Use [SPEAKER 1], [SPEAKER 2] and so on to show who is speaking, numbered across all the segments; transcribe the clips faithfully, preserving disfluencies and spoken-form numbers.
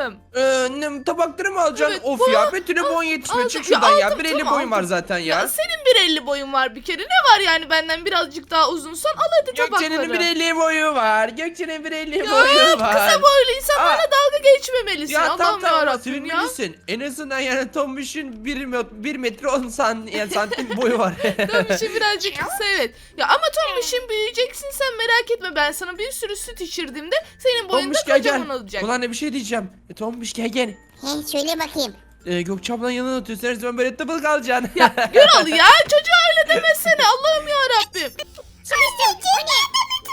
[SPEAKER 1] aldım.
[SPEAKER 2] Ee, ne, tabakları mı alacaksın?
[SPEAKER 1] Evet,
[SPEAKER 2] of
[SPEAKER 1] bu-
[SPEAKER 2] ya Betül'e boyun
[SPEAKER 1] aldım.
[SPEAKER 2] yetişmiyor. Çık
[SPEAKER 1] Ya
[SPEAKER 2] şuradan ya.
[SPEAKER 1] aldım,
[SPEAKER 2] bir elli
[SPEAKER 1] tamam,
[SPEAKER 2] boyun var
[SPEAKER 1] aldım.
[SPEAKER 2] zaten ya.
[SPEAKER 1] Ya senin bir elli boyun var bir kere. Ne var yani benden birazcık daha uzunsan? Al hadi tabakları.
[SPEAKER 2] Gökçe'nin bir elli boyu var. Gökçe'nin bir elli
[SPEAKER 1] Ya
[SPEAKER 2] boyu var.
[SPEAKER 1] kısa boylu insanlarla
[SPEAKER 2] Aa.
[SPEAKER 1] dalga geçmemelisin.
[SPEAKER 2] Ya
[SPEAKER 1] Allah'ım
[SPEAKER 2] tamam tamam
[SPEAKER 1] yarabbim ya.
[SPEAKER 2] sevinmelisin. En azından yani Tombiş'in bir, bir metre on san, yani santim boyu var.
[SPEAKER 1] Tombiş'in birazcık kısa evet. Ya ama Tombiş'in büyüyeceksin sen merak etme. Ben sana bir sürü süt içirdiğimde senin boyun da
[SPEAKER 2] Tombiş gel gel.
[SPEAKER 1] kocaman olacak.
[SPEAKER 2] Ulan ne bir şey diyeceğim. E, Tombiş gel gel.
[SPEAKER 3] He söyle bakayım.
[SPEAKER 2] Ee, Gökçe ablanın yanına oturuyorsun. Her zaman böyle tıbıl kalacaksın.
[SPEAKER 1] Gürol ya çocuğa öyle demesene Allah'ım yarabbim.
[SPEAKER 3] Sonuçta o ne?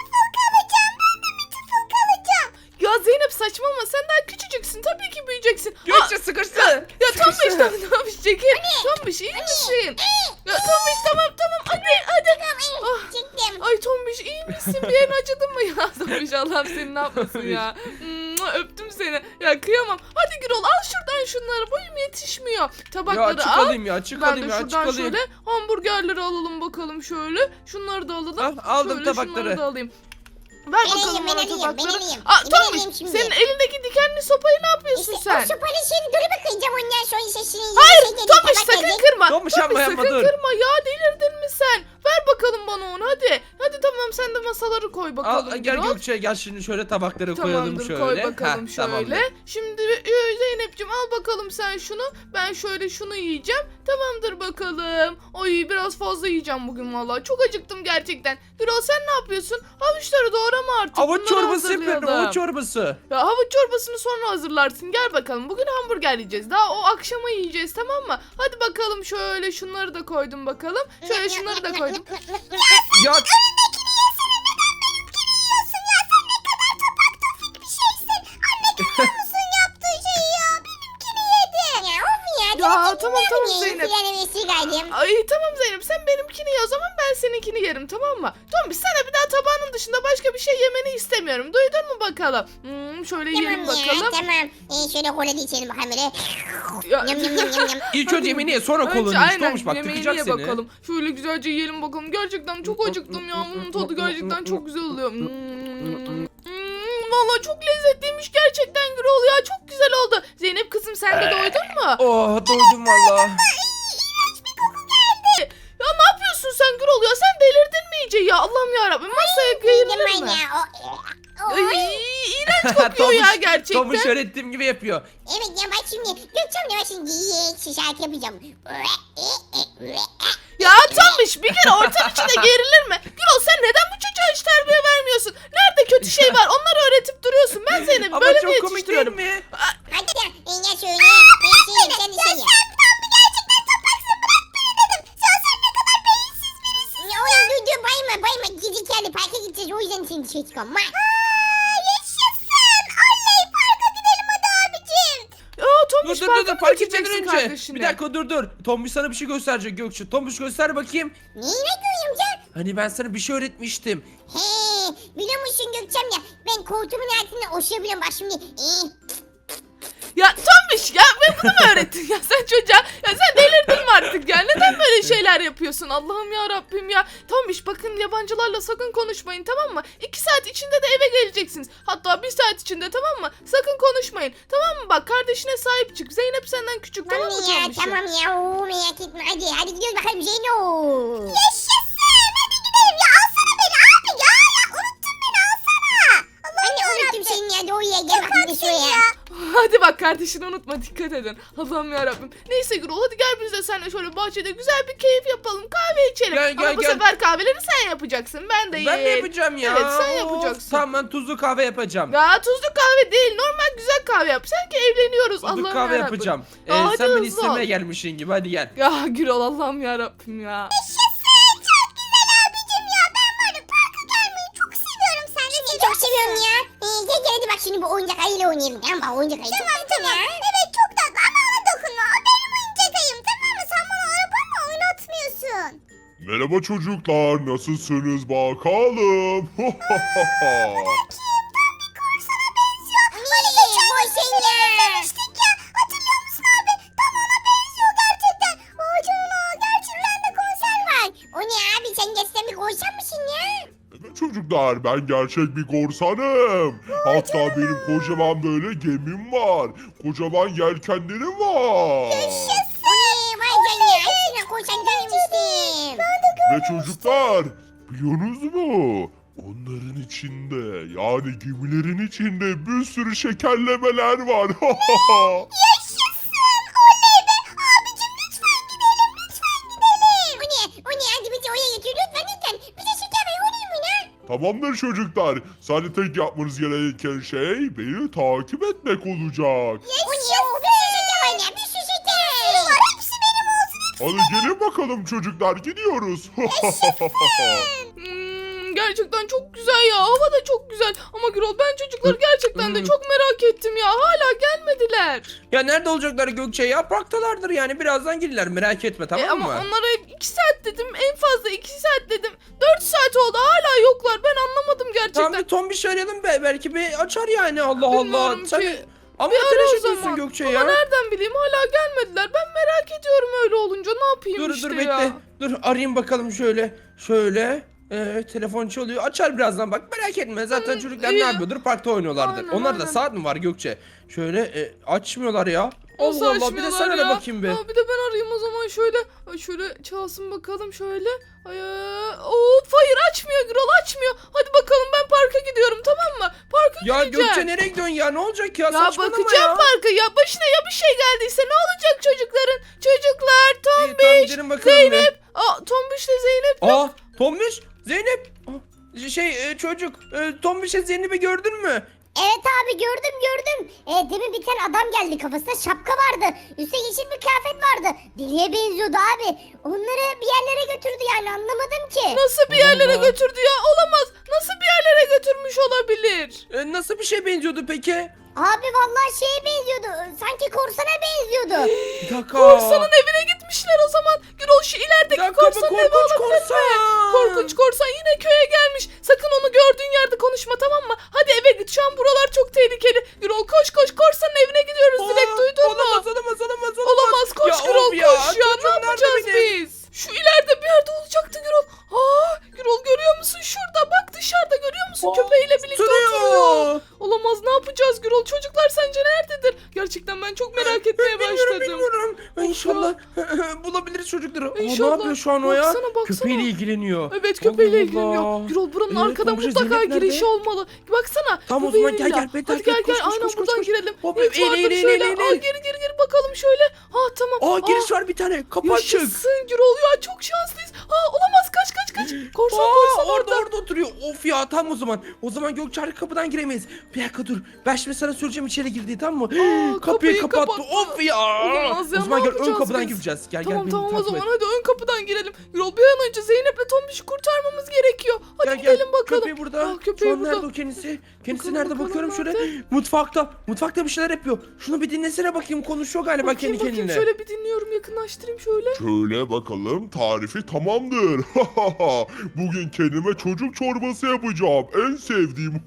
[SPEAKER 1] Ya Zeynep saçmalama sen daha küçücüksün tabii ki büyüyeceksin.
[SPEAKER 2] Gökçe sıkıştı.
[SPEAKER 1] Ya Tombiş tamam Tombiş çekil. Tombiş iyi misin? Ya Tombiş tamam tamam hadi hadi. Ah.
[SPEAKER 3] Çıktım.
[SPEAKER 1] Ay Tombiş iyi misin? Bir yerin acıdı mı ya? Tombiş Allah'ım seni ne yapmasın ya. Mua, öptüm seni. Ya kıyamam. Hadi Gürol al şuradan şunları. Boyum yetişmiyor. Tabakları
[SPEAKER 2] Ya açık
[SPEAKER 1] al.
[SPEAKER 2] alayım ya açık
[SPEAKER 1] Ben de
[SPEAKER 2] alayım ya açık
[SPEAKER 1] şuradan
[SPEAKER 2] alayım.
[SPEAKER 1] şöyle hamburgerleri alalım bakalım şöyle. Şunları da alalım.
[SPEAKER 2] Ah, aldım
[SPEAKER 1] şöyle
[SPEAKER 2] tabakları.
[SPEAKER 1] Şunları da alayım. Ver
[SPEAKER 3] Ben
[SPEAKER 1] bakalım
[SPEAKER 3] alayım, ben
[SPEAKER 1] bana
[SPEAKER 3] alayım, ben
[SPEAKER 1] tabakları.
[SPEAKER 3] alayım.
[SPEAKER 1] Aa,
[SPEAKER 3] Ben
[SPEAKER 1] Tombiş
[SPEAKER 3] alayım şimdi.
[SPEAKER 1] senin elindeki dikenli sopayı ne yapıyorsun
[SPEAKER 3] İşte
[SPEAKER 1] sen?
[SPEAKER 3] o sopanın şeyini dur bakacağım ondan sonra sesini.
[SPEAKER 1] Hayır Tombiş sakın kırma.
[SPEAKER 2] Tombiş yapma, yapma,
[SPEAKER 1] sakın
[SPEAKER 2] dur.
[SPEAKER 1] kırma ya delirdin mi sen? Ver bakalım bana onu hadi. Hadi tamam sen de masaları koy bakalım.
[SPEAKER 2] Al, gel
[SPEAKER 1] Gürol.
[SPEAKER 2] Gökçe gel şimdi şöyle tabakları koyalım
[SPEAKER 1] Tamamdır
[SPEAKER 2] şöyle.
[SPEAKER 1] koy bakalım
[SPEAKER 2] Heh,
[SPEAKER 1] şöyle.
[SPEAKER 2] tamamdır.
[SPEAKER 1] Şimdi e, Zeynep'ciğim al bakalım sen şunu. Ben şöyle şunu yiyeceğim. Tamamdır bakalım. Ay biraz fazla yiyeceğim bugün vallahi. Çok acıktım gerçekten. Gürol sen ne yapıyorsun? Havuçları doğrama artık.
[SPEAKER 2] Havuç
[SPEAKER 1] Bunları
[SPEAKER 2] çorbası yapıyorum
[SPEAKER 1] hazırlayalım.
[SPEAKER 2] havuç çorbası.
[SPEAKER 1] Ya havuç çorbasını sonra hazırlarsın. Gel bakalım. Bugün hamburger yiyeceğiz. Daha o akşama yiyeceğiz tamam mı? Hadi bakalım şöyle şunları da koydum bakalım. Şöyle şunları da koydum.
[SPEAKER 2] Ya
[SPEAKER 1] Ya tamam tamam Zeynep.
[SPEAKER 3] Yani vesile gaydim.
[SPEAKER 1] Ay tamam Zeynep sen benimkini ye o zaman ben seninkini yerim tamam mı? Tombiş sana bir daha tabağının dışında başka bir şey yemeni istemiyorum. Duydun mu bakalım? Hmm, şöyle yiyelim
[SPEAKER 3] Tamam ya
[SPEAKER 1] bakalım.
[SPEAKER 3] tamam. Ee, şöyle kola da içelim bakalım böyle.
[SPEAKER 1] Ya,
[SPEAKER 3] Yum yum yum yum yum.
[SPEAKER 2] ilk önce yemeğini ye sonra
[SPEAKER 1] Önce
[SPEAKER 2] kolunu iç.
[SPEAKER 1] aynen
[SPEAKER 2] Tombiş bak
[SPEAKER 1] yemeğini
[SPEAKER 2] tıkacak
[SPEAKER 1] ye
[SPEAKER 2] seni.
[SPEAKER 1] bakalım. Şöyle güzelce yiyelim bakalım. Gerçekten çok acıktım ya. Bunun tadı gerçekten çok güzel oluyor. Hmm. Hmm, Valla çok lezzetliymiş gerçekten Gürol ya. Çok güzel oldu. Zeynep kızım sen de doydun mu?
[SPEAKER 2] Oh doydum valla.
[SPEAKER 1] Ya ne yapıyorsun sen Gürol ya? Sen delirdin mi iyice ya? Allah'ım yarabbim masaya kıyılır
[SPEAKER 3] Yedim ben
[SPEAKER 1] mı?
[SPEAKER 3] ya. O, o,
[SPEAKER 1] Ay, iğrenç kokuyor ya
[SPEAKER 2] Tombiş-
[SPEAKER 1] gerçekten.
[SPEAKER 2] Tombiş öğrettiğim gibi yapıyor.
[SPEAKER 3] Evet ya bak şimdi. Gökçem ne var şimdi? Yiye şarkı yapacağım.
[SPEAKER 1] Ya Tombiş bir kere ortam içinde gerilir mi? Gürol sen neden bu çocuğa hiç terbiye vermiyorsun? Nerede kötü şey var? Onları öğretip duruyorsun. Ben Zeynep'i
[SPEAKER 2] Ama
[SPEAKER 1] böyle mi
[SPEAKER 2] çok komik değil
[SPEAKER 1] yetiştiriyorum?
[SPEAKER 2] mi?
[SPEAKER 3] Hadi ya. E, ya söyle. Ben söyleyeyim sen de söyle. Ya oğlum dur dur bayma bayma. Gidi geldi parka gideceğiz. O yüzden seni dışarı çıkıyorum.
[SPEAKER 1] Ya Tombiş
[SPEAKER 2] Dur dur dur, dur
[SPEAKER 1] parka mı
[SPEAKER 2] park etmeden
[SPEAKER 1] götüreceksin
[SPEAKER 2] önce.
[SPEAKER 1] kardeşini?
[SPEAKER 2] Bir dakika dur dur. Tombiş sana bir şey gösterecek Gökçe. Tombiş göster bakayım.
[SPEAKER 3] Neyine görüyorum sen?
[SPEAKER 2] Hani ben sana bir şey öğretmiştim.
[SPEAKER 3] He, biliyor musun Gökçem ya? Ben koltuğumun altında oşuyabiliyorum. Bak şimdi. Ee,
[SPEAKER 1] Ya Tombiş ya ben bunu mu öğrettin ya sen çocuğa? Ya sen delirdin mi artık ya? Neden böyle şeyler yapıyorsun? Allah'ım ya Rabbim ya. Tombiş bakın yabancılarla sakın konuşmayın tamam mı? İki saat içinde de eve geleceksiniz. Hatta bir saat içinde tamam mı? Sakın konuşmayın. Tamam mı? Bak kardeşine sahip çık. Zeynep senden küçük tamam mı
[SPEAKER 3] tamam ya
[SPEAKER 1] Tombiş'im?
[SPEAKER 3] tamam ya. Oo, merak etme. Hadi hadi gidiyoruz bakalım Zeyno. Yaşasın. Hadi gidelim ya. Alsana beni abi ya. Ya unuttun beni alsana. Anne unuttum seni ya. Doğuya gel bakayım da şuraya.
[SPEAKER 1] Hadi bak kardeşini unutma dikkat edin. Allah'ım yarabbim. Neyse Gürol hadi gel biz de seninle şöyle bahçede güzel bir keyif yapalım. Kahve içelim.
[SPEAKER 2] Gel, gel,
[SPEAKER 1] Ama bu
[SPEAKER 2] gel.
[SPEAKER 1] sefer kahveleri sen yapacaksın. Ben de
[SPEAKER 2] Ben mi
[SPEAKER 1] yiyeyim.
[SPEAKER 2] yapacağım ya?
[SPEAKER 1] Evet sen
[SPEAKER 2] Of,
[SPEAKER 1] yapacaksın.
[SPEAKER 2] Tamam ben tuzlu kahve yapacağım.
[SPEAKER 1] Ya tuzlu kahve değil. Normal güzel kahve yap. Sanki evleniyoruz.
[SPEAKER 2] Tuzlu
[SPEAKER 1] Allah'ım
[SPEAKER 2] kahve
[SPEAKER 1] yarabbim.
[SPEAKER 2] yapacağım. Ee,
[SPEAKER 1] Ya hadi
[SPEAKER 2] sen beni
[SPEAKER 1] hızlı
[SPEAKER 2] istemeye
[SPEAKER 1] ol.
[SPEAKER 2] gelmişsin gibi hadi gel.
[SPEAKER 1] Ya Gürol Allah'ım yarabbim ya.
[SPEAKER 3] Seni çok seviyorum ya. Ee, gel gel hadi bak şimdi bu oyuncak ayıyla oynayalım. Tamam bak oyuncak ayı. Tamam tamam. Evet çok tatlı ama ona dokunma. O benim oyuncak ayım tamam mı? Sen bana arabamla oynatmıyorsun.
[SPEAKER 4] Merhaba çocuklar, nasılsınız bakalım?
[SPEAKER 3] Hani boş şeyler. ya. Hatırlıyor musun abi? Tam ona benziyor gerçekten. Vay canına gerçekten de konser var. O ne abi sen gerçekten bir konser misin ya?
[SPEAKER 4] Evet çocuklar, çocuklar. Ben gerçek bir korsanım. Hatta benim kocaman böyle gemim var. Kocaman yelkenlerim var.
[SPEAKER 3] Oley vay canına. Eskiden korsan görmüştüm.
[SPEAKER 4] Ve çocuklar, biliyorsunuz mu? Onların içinde, yani gemilerin içinde bir sürü şekerlemeler var.
[SPEAKER 3] O ne? O ne? Hadi bizi oraya götür lütfen lütfen. Bize şeker ver olur mu ne?
[SPEAKER 4] Tamamdır çocuklar. Sadece tek yapmanız gereken şey beni takip etmek olacak.
[SPEAKER 3] O ne? O bir sürü şeker var ya. Bir sürü şeker. Var hepsi benim olsun.
[SPEAKER 4] Hadi gelin bakalım çocuklar, gidiyoruz.
[SPEAKER 1] Hmm, gerçekten çok güzel ya. Hava da çok güzel. Ama Gürol ben çocukları gerçekten de
[SPEAKER 2] Hmm.
[SPEAKER 1] çok merak ettim ya. Hala gelmediler.
[SPEAKER 2] Ya nerede olacaklar Gökçe ya? Parktalardır yani. Birazdan gelirler, merak etme, tamam
[SPEAKER 1] E, ama
[SPEAKER 2] mı?
[SPEAKER 1] onlara iki saat dedim. En fazla iki saat dedim. dört saat oldu. Hala yoklar. Ben anlamadım gerçekten.
[SPEAKER 2] Tamam bir Tombiş arayalım be. Belki bir açar yani. Allah
[SPEAKER 1] Bilmiyorum
[SPEAKER 2] Allah.
[SPEAKER 1] ki.
[SPEAKER 2] Sen ama
[SPEAKER 1] Bir ara
[SPEAKER 2] telaş
[SPEAKER 1] o
[SPEAKER 2] ediyorsun
[SPEAKER 1] zaman.
[SPEAKER 2] Gökçe
[SPEAKER 1] Ama
[SPEAKER 2] ya.
[SPEAKER 1] nereden bileyim hala gelmediler. Ben merak ediyorum öyle olunca. Ne yapayım
[SPEAKER 2] Dur
[SPEAKER 1] işte
[SPEAKER 2] dur
[SPEAKER 1] ya.
[SPEAKER 2] bekle. Dur arayayım bakalım şöyle. Şöyle. Ee, telefon çalıyor. Açar birazdan bak, merak etme. Zaten
[SPEAKER 1] Hı,
[SPEAKER 2] çocuklar
[SPEAKER 1] iyi.
[SPEAKER 2] ne yapıyordur? Parkta oynuyorlardır.
[SPEAKER 1] Aynen,
[SPEAKER 2] Onlar da
[SPEAKER 1] aynen.
[SPEAKER 2] saat mi var Gökçe? Şöyle e, açmıyorlar ya.
[SPEAKER 1] Nasıl
[SPEAKER 2] Allah Allah, bir de sen
[SPEAKER 1] açmıyorlar
[SPEAKER 2] ara
[SPEAKER 1] ya?
[SPEAKER 2] bakayım be.
[SPEAKER 1] Aa, bir de ben arayayım o zaman şöyle. Ay şöyle çalsın bakalım şöyle. Ay, ee, of hayır açmıyor Gürol açmıyor. Hadi bakalım ben parka gidiyorum tamam mı? Parka
[SPEAKER 2] Ya
[SPEAKER 1] gideceğim.
[SPEAKER 2] Gökçe nereye gidiyorsun ya? Ne olacak ya?
[SPEAKER 1] Ya
[SPEAKER 2] Saçmalama
[SPEAKER 1] bakacağım
[SPEAKER 2] ya.
[SPEAKER 1] parka ya başına ya bir şey geldiyse ne olacak çocukların? Çocuklar
[SPEAKER 2] İyi, tamam,
[SPEAKER 1] Tombiş,
[SPEAKER 2] gidelim bakalım bir.
[SPEAKER 1] Zeynep. Aa Tombiş'le Zeynep.
[SPEAKER 2] Aa Tombiş, Zeynep. Aa, Şey e, çocuk e, Tombiş'e Zeynep'i gördün mü?
[SPEAKER 3] Evet abi gördüm gördüm. E, demin bir tane adam geldi, kafasında şapka vardı. Üstte yeşil bir kıyafet vardı. Deliye benziyordu abi. Onları bir yerlere götürdü yani, anlamadım ki.
[SPEAKER 1] Nasıl bir yerlere
[SPEAKER 2] Allah.
[SPEAKER 1] götürdü ya? Olamaz. Nasıl bir yerlere götürmüş olabilir?
[SPEAKER 2] E, nasıl bir şey benziyordu peki?
[SPEAKER 3] Abi vallahi şeye benziyordu. Sanki korsana benziyordu.
[SPEAKER 2] Bir dakika.
[SPEAKER 1] Korsanın evine gitmişler o zaman. Gürol şu
[SPEAKER 2] Bir
[SPEAKER 1] ilerideki
[SPEAKER 2] dakika, bu
[SPEAKER 1] korsanın evi
[SPEAKER 2] korkunç
[SPEAKER 1] olabilir mi?
[SPEAKER 2] korsan.
[SPEAKER 1] Korkunç korsan yine köye gelmiş. Sakın onu gördüğün yerde konuşma tamam mı? Hadi eve git şu an buralar çok tehlikeli. Gürol koş koş korsanın evine gidiyoruz direkt
[SPEAKER 2] Aa,
[SPEAKER 1] duydun mu?
[SPEAKER 2] Olamaz olamaz olamaz.
[SPEAKER 1] Olamaz koş
[SPEAKER 2] Ya
[SPEAKER 1] Gürol
[SPEAKER 2] of ya,
[SPEAKER 1] koş ya
[SPEAKER 2] çocuğum
[SPEAKER 1] ne
[SPEAKER 2] nerede
[SPEAKER 1] yapacağız
[SPEAKER 2] benim?
[SPEAKER 1] biz? Şu ileride bir yerde olacaktı Gürol. Aa Gürol görüyor musun şurada bak dışarıda görüyor musun
[SPEAKER 2] Aa,
[SPEAKER 1] köpeğiyle birlikte oturuyor.
[SPEAKER 2] Sürüyor.
[SPEAKER 1] Olamaz ne yapacağız Gürol çocuklar sence nerededir? Gerçekten ben çok merak etmeye
[SPEAKER 2] Bilmiyorum
[SPEAKER 1] başladım.
[SPEAKER 2] bilmiyorum.
[SPEAKER 1] Of
[SPEAKER 2] İnşallah bulabiliriz çocukları. Aa, ne
[SPEAKER 1] İnşallah.
[SPEAKER 2] yapıyor şu an o ya?
[SPEAKER 1] Baksana, baksana.
[SPEAKER 2] Köpeğiyle ilgileniyor.
[SPEAKER 1] Evet köpeğiyle
[SPEAKER 2] Allah
[SPEAKER 1] ilgileniyor.
[SPEAKER 2] Allah.
[SPEAKER 1] Gürol buranın
[SPEAKER 2] Ee,
[SPEAKER 1] arkada
[SPEAKER 2] komşu
[SPEAKER 1] mutlaka
[SPEAKER 2] Zeynep nerede?
[SPEAKER 1] girişi olmalı. Baksana.
[SPEAKER 2] Tamam, o
[SPEAKER 1] bu
[SPEAKER 2] zaman
[SPEAKER 1] bir
[SPEAKER 2] gel,
[SPEAKER 1] villa.
[SPEAKER 2] gel, Bey,
[SPEAKER 1] Hadi
[SPEAKER 2] takip
[SPEAKER 1] gel
[SPEAKER 2] et,
[SPEAKER 1] gel
[SPEAKER 2] koş, koş,
[SPEAKER 1] aynen
[SPEAKER 2] koş, koş,
[SPEAKER 1] buradan
[SPEAKER 2] koş.
[SPEAKER 1] girelim.
[SPEAKER 2] Hop,
[SPEAKER 1] Evet
[SPEAKER 2] eğil,
[SPEAKER 1] vardır
[SPEAKER 2] eğil, eğil,
[SPEAKER 1] şöyle.
[SPEAKER 2] eğil,
[SPEAKER 1] Aa,
[SPEAKER 2] eğil.
[SPEAKER 1] gir gir gir bakalım şöyle. Ha tamam.
[SPEAKER 2] Aa giriş var bir tane. Kapı açık.
[SPEAKER 1] Yaşasın Gürol ya çok şanslıyız. Aa olamaz kaç kaç kaç. Korsan
[SPEAKER 2] Aa,
[SPEAKER 1] korsan
[SPEAKER 2] orada
[SPEAKER 1] orada.
[SPEAKER 2] orada oturuyor. Of ya tam o zaman. O zaman Gökçe arka kapıdan giremeyiz. Bir dakika dur. Ben şimdi sana söyleyeceğim içeri girdi tamam mı?
[SPEAKER 1] Aa,
[SPEAKER 2] kapıyı,
[SPEAKER 1] kapıyı
[SPEAKER 2] kapattı.
[SPEAKER 1] kapattı.
[SPEAKER 2] Of ya.
[SPEAKER 1] Olamaz ya,
[SPEAKER 2] O zaman
[SPEAKER 1] ne
[SPEAKER 2] gel ön
[SPEAKER 1] yapacağız
[SPEAKER 2] kapıdan
[SPEAKER 1] biz?
[SPEAKER 2] gireceğiz. Gel
[SPEAKER 1] Tamam
[SPEAKER 2] gel
[SPEAKER 1] tamam
[SPEAKER 2] beni
[SPEAKER 1] o
[SPEAKER 2] takip
[SPEAKER 1] zaman
[SPEAKER 2] et.
[SPEAKER 1] hadi ön kapıdan girelim. Gürol bir an önce Zeynep'le Tombiş'i kurtarmamız gerekiyor. Hadi
[SPEAKER 2] Gel, gel.
[SPEAKER 1] gidelim bakalım.
[SPEAKER 2] Köpeği burada.
[SPEAKER 1] Aa, köpeği
[SPEAKER 2] Şu an
[SPEAKER 1] burada.
[SPEAKER 2] nerede o kendisi? Kendisi
[SPEAKER 1] Bakalım,
[SPEAKER 2] nerede
[SPEAKER 1] bakalım,
[SPEAKER 2] bakıyorum şöyle.
[SPEAKER 1] nerede?
[SPEAKER 2] Mutfakta. Mutfakta bir şeyler yapıyor. Şunu bir dinlesene bakayım. Konuşuyor galiba
[SPEAKER 1] Bakayım
[SPEAKER 2] kendi
[SPEAKER 1] bakayım
[SPEAKER 2] kendine.
[SPEAKER 1] şöyle bir dinliyorum yakınlaştırayım şöyle.
[SPEAKER 4] Şöyle bakalım, tarifi tamamdır. Bugün kendime çocuk çorbası yapacağım. En sevdiğim.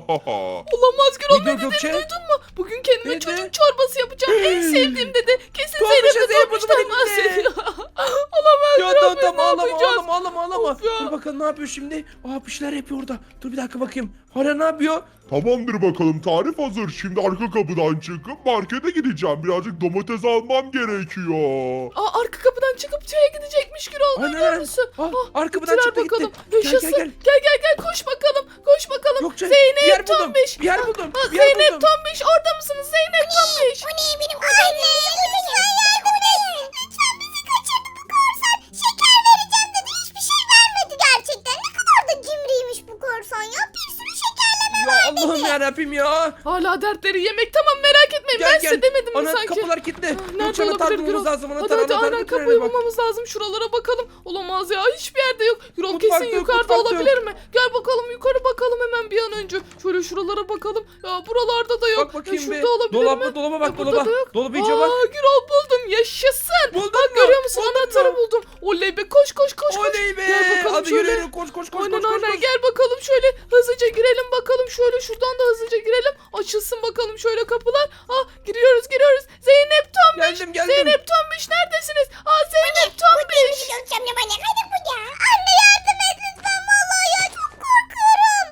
[SPEAKER 1] Olamaz Gürol
[SPEAKER 2] Ne
[SPEAKER 1] ne
[SPEAKER 2] diyor
[SPEAKER 1] dediğini
[SPEAKER 2] Gökçe?
[SPEAKER 1] duydun mu? Bugün kendime
[SPEAKER 2] Ne
[SPEAKER 1] çocuk
[SPEAKER 2] dedi?
[SPEAKER 1] çorbası yapacağım. En sevdiğim dedi. Kesin
[SPEAKER 2] Tombiş'e
[SPEAKER 1] Zeynep'le
[SPEAKER 2] Zeynep
[SPEAKER 1] Tombiş'ten
[SPEAKER 2] bunu
[SPEAKER 1] bahsediyor. Olamaz
[SPEAKER 2] Ya
[SPEAKER 1] Gürol
[SPEAKER 2] tamam
[SPEAKER 1] biz
[SPEAKER 2] tamam
[SPEAKER 1] ne
[SPEAKER 2] ağlama
[SPEAKER 1] yapacağız?
[SPEAKER 2] ağlama ağlama ağlama.
[SPEAKER 1] Of ya.
[SPEAKER 2] Dur bakalım ne yapıyor şimdi? Aa bir şeyler yapıyor orada. Dur bir dakika bakayım. Hala ne yapıyor?
[SPEAKER 4] Tamamdır bakalım, tarif hazır. Şimdi arka kapıdan çıkıp markete gideceğim. Birazcık domates almam gerekiyor.
[SPEAKER 1] Aa, arka kapıdan çıkıp çaya gidecekmiş Gürol.
[SPEAKER 2] Aynen,
[SPEAKER 1] Duyuyor
[SPEAKER 2] aynen.
[SPEAKER 1] musun?
[SPEAKER 2] Ah,
[SPEAKER 1] Ah,
[SPEAKER 2] arka kapıdan
[SPEAKER 1] gittiler
[SPEAKER 2] çıktı, gitti.
[SPEAKER 1] bakalım.
[SPEAKER 2] Gel, gel,
[SPEAKER 1] Yaşasın.
[SPEAKER 2] gel.
[SPEAKER 1] Gel gel gel koş bakalım. Koş bakalım.
[SPEAKER 2] Gökçe,
[SPEAKER 1] Zeynep
[SPEAKER 2] bir yer buldum,
[SPEAKER 1] Tombiş.
[SPEAKER 2] bir yer
[SPEAKER 1] Ah,
[SPEAKER 2] buldum,
[SPEAKER 1] ah,
[SPEAKER 2] bir yer
[SPEAKER 1] Zeynep
[SPEAKER 2] buldum.
[SPEAKER 1] Tombiş orada mısınız? Zeynep Tombiş.
[SPEAKER 3] Bu ne benim kocam? Anne lütfen yardım edin. Lütfen bizi kaçırdı bu korsan. Şeker vereceğim dedi. Hiçbir şey vermedi gerçekten. Ne kadar da cimriymiş bu korsan ya. Bir sürü şekerleme
[SPEAKER 2] Ya Allah'ım yarabbim ya.
[SPEAKER 1] Hala dertleri yemek tamam merak etmeyin.
[SPEAKER 2] Gel
[SPEAKER 1] ben
[SPEAKER 2] gel.
[SPEAKER 1] size demedim mi
[SPEAKER 2] Ana
[SPEAKER 1] sanki?
[SPEAKER 2] kapılar kilitli.
[SPEAKER 1] Ah, Nerede
[SPEAKER 2] Gökçe anahtar
[SPEAKER 1] olabilir
[SPEAKER 2] bulmamız
[SPEAKER 1] Gürol?
[SPEAKER 2] lazım.
[SPEAKER 1] Hadi
[SPEAKER 2] Anahtar
[SPEAKER 1] hadi
[SPEAKER 2] anahtar.
[SPEAKER 1] aynen
[SPEAKER 2] götürelim
[SPEAKER 1] kapıyı
[SPEAKER 2] bak.
[SPEAKER 1] bulmamız lazım. Şuralara bakalım. Olamaz ya hiçbir yerde yok. Gürol
[SPEAKER 2] Mutfakta
[SPEAKER 1] kesin
[SPEAKER 2] yok,
[SPEAKER 1] yukarıda
[SPEAKER 2] mutfakta
[SPEAKER 1] olabilir mi? Gel bakalım yukarı bakalım hemen bir an önce. Şöyle şuralara bakalım. Ya buralarda da yok.
[SPEAKER 2] Bak bakayım
[SPEAKER 1] ya,
[SPEAKER 2] bir.
[SPEAKER 1] şurada olabilir
[SPEAKER 2] Dolaba
[SPEAKER 1] mi?
[SPEAKER 2] dolaba
[SPEAKER 1] Ya,
[SPEAKER 2] bak
[SPEAKER 1] burada
[SPEAKER 2] dolaba.
[SPEAKER 1] da yok.
[SPEAKER 2] Dolaba iyice bak.
[SPEAKER 1] Aa Gürol buldum yaşasın.
[SPEAKER 2] Buldun
[SPEAKER 1] Bak
[SPEAKER 2] mu?
[SPEAKER 1] görüyor musun
[SPEAKER 2] Buldun
[SPEAKER 1] anahtarı
[SPEAKER 2] mu?
[SPEAKER 1] buldum. Oley be koş koş koş koş.
[SPEAKER 2] Oley be.
[SPEAKER 1] Gel bakalım
[SPEAKER 2] Hadi
[SPEAKER 1] şöyle.
[SPEAKER 2] yürü yürü koş koş koş
[SPEAKER 1] Aynen
[SPEAKER 2] koş koş.
[SPEAKER 1] aynen
[SPEAKER 2] koş.
[SPEAKER 1] gel bakalım şöyle hızlıca girelim bakalım şöyle şuradan da hızlıca girelim açılsın bakalım şöyle kapılar ah giriyoruz giriyoruz Zeynep Tombiş
[SPEAKER 2] Geldim, geldim.
[SPEAKER 1] Zeynep Tombiş neredesiniz aa Zeynep Tombiş
[SPEAKER 3] Gökçemle bana. Hadi bu ya. Anne yardım et lütfen. Vallahi ya çok korkuyorum.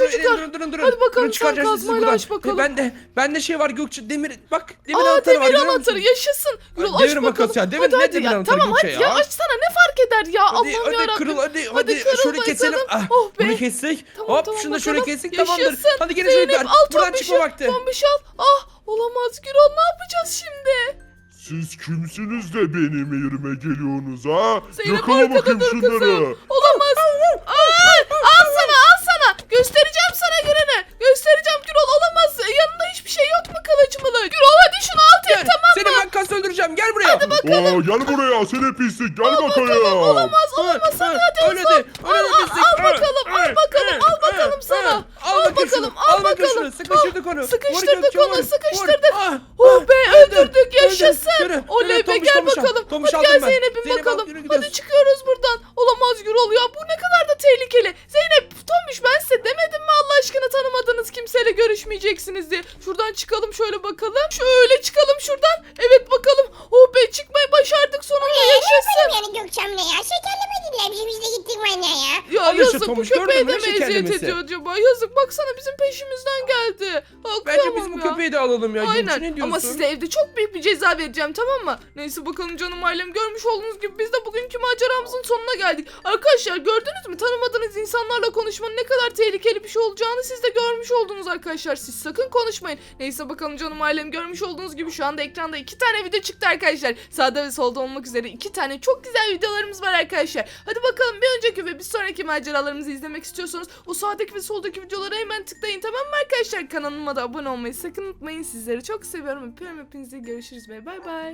[SPEAKER 1] çocuklar.
[SPEAKER 2] Durun durun durun.
[SPEAKER 1] Hadi bakalım,
[SPEAKER 2] Durun,
[SPEAKER 1] sen
[SPEAKER 2] çıkaracağız sizi
[SPEAKER 1] kazmayla
[SPEAKER 2] buradan.
[SPEAKER 1] aç bakalım.
[SPEAKER 2] Ben de ben de şey var Gökçe, demir bak, demir
[SPEAKER 1] Aa
[SPEAKER 2] anahtarı var.
[SPEAKER 1] demir
[SPEAKER 2] görüyor
[SPEAKER 1] anahtarı
[SPEAKER 2] musun?
[SPEAKER 1] yaşasın. Gürol aç
[SPEAKER 2] Demir
[SPEAKER 1] bakalım.
[SPEAKER 2] makas ya, demir-
[SPEAKER 1] hadi
[SPEAKER 2] ne
[SPEAKER 1] hadi
[SPEAKER 2] demir
[SPEAKER 1] ya.
[SPEAKER 2] anahtarı
[SPEAKER 1] Tamam
[SPEAKER 2] Gökçe
[SPEAKER 1] hadi ya
[SPEAKER 2] ya?
[SPEAKER 1] açsana, ne fark eder ya.
[SPEAKER 2] Hadi
[SPEAKER 1] Allah'ım
[SPEAKER 2] hadi
[SPEAKER 1] yarabbim.
[SPEAKER 2] kırıl hadi
[SPEAKER 1] Hadi
[SPEAKER 2] hadi,
[SPEAKER 1] kırıl
[SPEAKER 2] şöyle keselim.
[SPEAKER 1] bakalım.
[SPEAKER 2] Ah,
[SPEAKER 1] Oh be.
[SPEAKER 2] bunu kestik.
[SPEAKER 1] Tamam,
[SPEAKER 2] Hop
[SPEAKER 1] tamam,
[SPEAKER 2] şunu da şöyle
[SPEAKER 1] bakalım.
[SPEAKER 2] kestik, tamamdır.
[SPEAKER 1] Yaşasın.
[SPEAKER 2] Hadi gelin
[SPEAKER 1] Zeynep,
[SPEAKER 2] çocuklar.
[SPEAKER 1] al
[SPEAKER 2] Buradan
[SPEAKER 1] Tombiş'i.
[SPEAKER 2] çıkma vakti.
[SPEAKER 1] Tombiş al. Ah olamaz Gürol, ne yapacağız şimdi?
[SPEAKER 4] Siz kimsiniz de benim yerime geliyorsunuz ha?
[SPEAKER 1] Zeynep
[SPEAKER 4] Yakala
[SPEAKER 1] arkada
[SPEAKER 4] bakayım
[SPEAKER 1] dur
[SPEAKER 4] şunları.
[SPEAKER 1] kızım. Olamaz. Aa, al sana al sana. Göstereceğim sana gününü. Göstereceğim Gürol, olamaz. Yanında hiçbir şey yok mu kılıç mılıç? Gürol hadi şunu alt et,
[SPEAKER 2] Gel,
[SPEAKER 1] tamam
[SPEAKER 2] seni
[SPEAKER 1] mı?
[SPEAKER 2] ben kas öldüreceğim. Gel buraya.
[SPEAKER 4] Aa, gel buraya seni pislik, gel bakayım.
[SPEAKER 1] Olamaz olamaz, hadi hadi
[SPEAKER 2] Öyle
[SPEAKER 1] hızlı.
[SPEAKER 2] de, öyle de
[SPEAKER 1] Al, al,
[SPEAKER 2] pislik.
[SPEAKER 1] al bakalım, al bakalım, al bakalım sana.
[SPEAKER 2] Al bakayım şunu,
[SPEAKER 1] bakalım, al
[SPEAKER 2] al bakayım
[SPEAKER 1] bakalım.
[SPEAKER 2] şunu. Sıkıştırdık onu. Vur
[SPEAKER 1] Sıkıştırdık
[SPEAKER 2] Gökçe,
[SPEAKER 1] onu,
[SPEAKER 2] vur,
[SPEAKER 1] sıkıştırdık.
[SPEAKER 2] vur. Ah,
[SPEAKER 1] Oh
[SPEAKER 2] ah,
[SPEAKER 1] be,
[SPEAKER 2] öldü,
[SPEAKER 1] öldürdük,
[SPEAKER 2] öldü.
[SPEAKER 1] yaşasın.
[SPEAKER 2] Yürü,
[SPEAKER 1] Oley
[SPEAKER 2] yürü,
[SPEAKER 1] be,
[SPEAKER 2] Tombiş,
[SPEAKER 1] gel
[SPEAKER 2] Tombiş al.
[SPEAKER 1] bakalım.
[SPEAKER 2] Tombiş
[SPEAKER 1] Hadi
[SPEAKER 2] aldım
[SPEAKER 1] gel
[SPEAKER 2] ben.
[SPEAKER 1] Zeynep'in
[SPEAKER 2] Zeynep, al,
[SPEAKER 1] bakalım.
[SPEAKER 2] yürü
[SPEAKER 1] Hadi
[SPEAKER 2] gidiyoruz.
[SPEAKER 1] çıkıyoruz buradan. Olamaz Gürol ya, bu ne kadar da tehlikeli. Zeynep, Tombiş, ben size demedim mi Allah aşkına tanımadığınız kimseyle görüşmeyeceksiniz diye. Şuradan çıkalım şöyle bakalım. Şöyle çıkalım şuradan. Evet bakalım. Oh be, çıkmayı başardık sonunda, yaşasın.
[SPEAKER 3] Yani Gökçem'le ya. Şekerlemediler bizi, biz de gittik bana ya.
[SPEAKER 1] Ya
[SPEAKER 2] Al işte
[SPEAKER 1] yazık, bu
[SPEAKER 2] Tomuş,
[SPEAKER 1] köpeğe
[SPEAKER 2] gördün
[SPEAKER 1] de
[SPEAKER 2] mü?
[SPEAKER 1] mi eziyet
[SPEAKER 2] Şekerlemesi.
[SPEAKER 1] ediyor acaba? Yazık, baksana bizim peşimizden geldi. Ha,
[SPEAKER 2] Bence
[SPEAKER 1] kıyamam
[SPEAKER 2] biz bu
[SPEAKER 1] ya.
[SPEAKER 2] köpeği de alalım ya. Gökçe, ne
[SPEAKER 1] Aynen,
[SPEAKER 2] diyorsun?
[SPEAKER 1] ama size evde çok büyük bir ceza vereceğim, tamam mı? Neyse bakalım canım ailem, görmüş olduğunuz gibi biz de bugünkü maceramızın sonuna geldik. Arkadaşlar gördünüz mü, tanımadığınız insanlarla konuşmanın ne kadar tehlikeli bir şey olacağını siz de görmüş oldunuz arkadaşlar. Siz sakın konuşmayın. Neyse bakalım canım ailem, görmüş olduğunuz gibi şu anda ekranda iki tane video çıktı arkadaşlar. Sağda ve solda olmak üzere iki tane çok güzel videolarımız var arkadaşlar. Hadi bakalım, bir önceki ve bir sonraki maceralarımızı izlemek istiyorsanız o sağdaki ve soldaki videolara hemen tıklayın, tamam mı arkadaşlar? Kanalıma da abone olmayı sakın unutmayın. Sizleri çok seviyorum. Öpüyorum hepinizi. Görüşürüz ve bay bay.